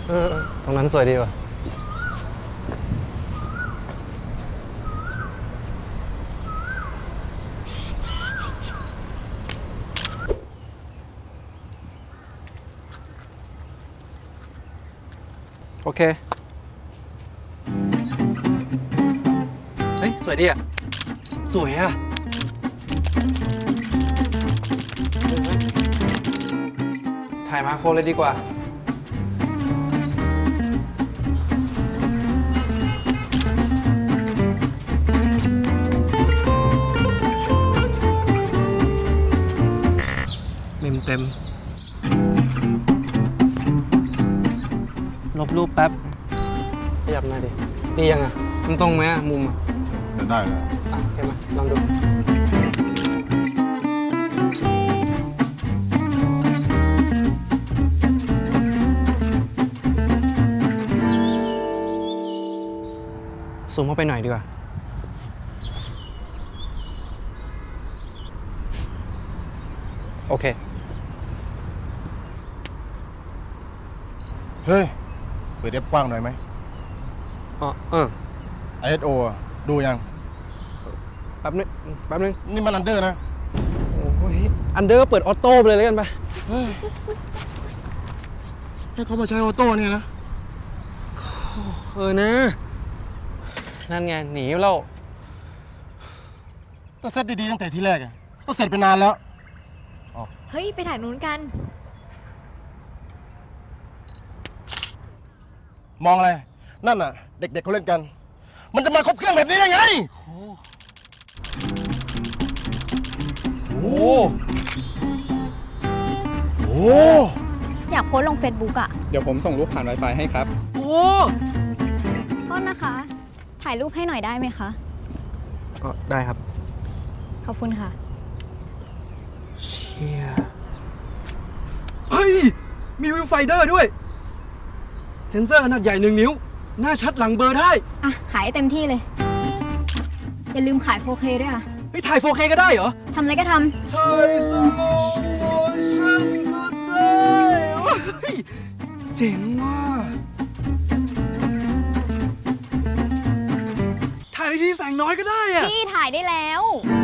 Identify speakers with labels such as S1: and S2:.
S1: ตรงนั้นสวยดีว่ะโอเคเฮ้ยสวยดีอ่ะสวยอ่ะถ่ายมาโครเลยดีกว่าเต็มลบรูปแป๊บขยับหน่อยดิดียังอ่ะมันตรงไหมอ่ะมุมอ่ะ
S2: ได้เลย
S1: ใช่ไหมลองดูซูมเข้าไปหน่อยดีกว่าโอเค
S2: เฮ้ยเปิดเอฟกว้างหน่อยไหมISO ดูยัง
S1: แป๊บนึง
S2: นี่มันอันเดอร์นะ
S1: โอ้ยอันเดอร์ก็เปิดออโต้ไปเลยแล้วกันไป
S2: ให้เขามาใช้ออโต้เนี่ยนะ
S1: นะนั่นไงหนีเรา
S2: ต้องเซตดีๆตั้งแต่ทีแรกก็เสร็จไปนานแล้ว
S3: เฮ้ยไปถ่ายนู้นกัน
S2: มองอะไรนั่นน่ะเด็กๆเขาเล่นกันมันจะมาครบเครื่องแบบนี้ได้ไงโอ้โห
S3: อยากโพสต์ลง Facebook อ่ะ
S4: เดี๋ยวผมส่งรูปผ่าน Wi-Fi ให้ครับ
S1: โอ้
S3: โทษนะคะ ถ่ายรูปให้หน่อยได้ไหมคะ
S1: ได้ครับ
S3: ขอบคุณค่ะ
S1: เชี่ยเฮ้ยมีวิวไฟเดอร์ด้วยเซ็นเซอร์ขนาดใหญ่1 นิ้วหน้าชัดหลังเบอร์ได้
S3: อ่ะขายเต็มที่เลยอย่าลืมขาย 4K ด้วยอ่ะ
S1: เฮ้ยถ่าย 4K ก็ได้เหรอ
S3: ทำอะไรก็ท
S1: ำถ่ายสโลว์โมชั่นก็ได้เจ๋งว่ะถ่ายในที่แสงน้อยก็ได้อะ
S3: พี่ถ่ายได้แล้ว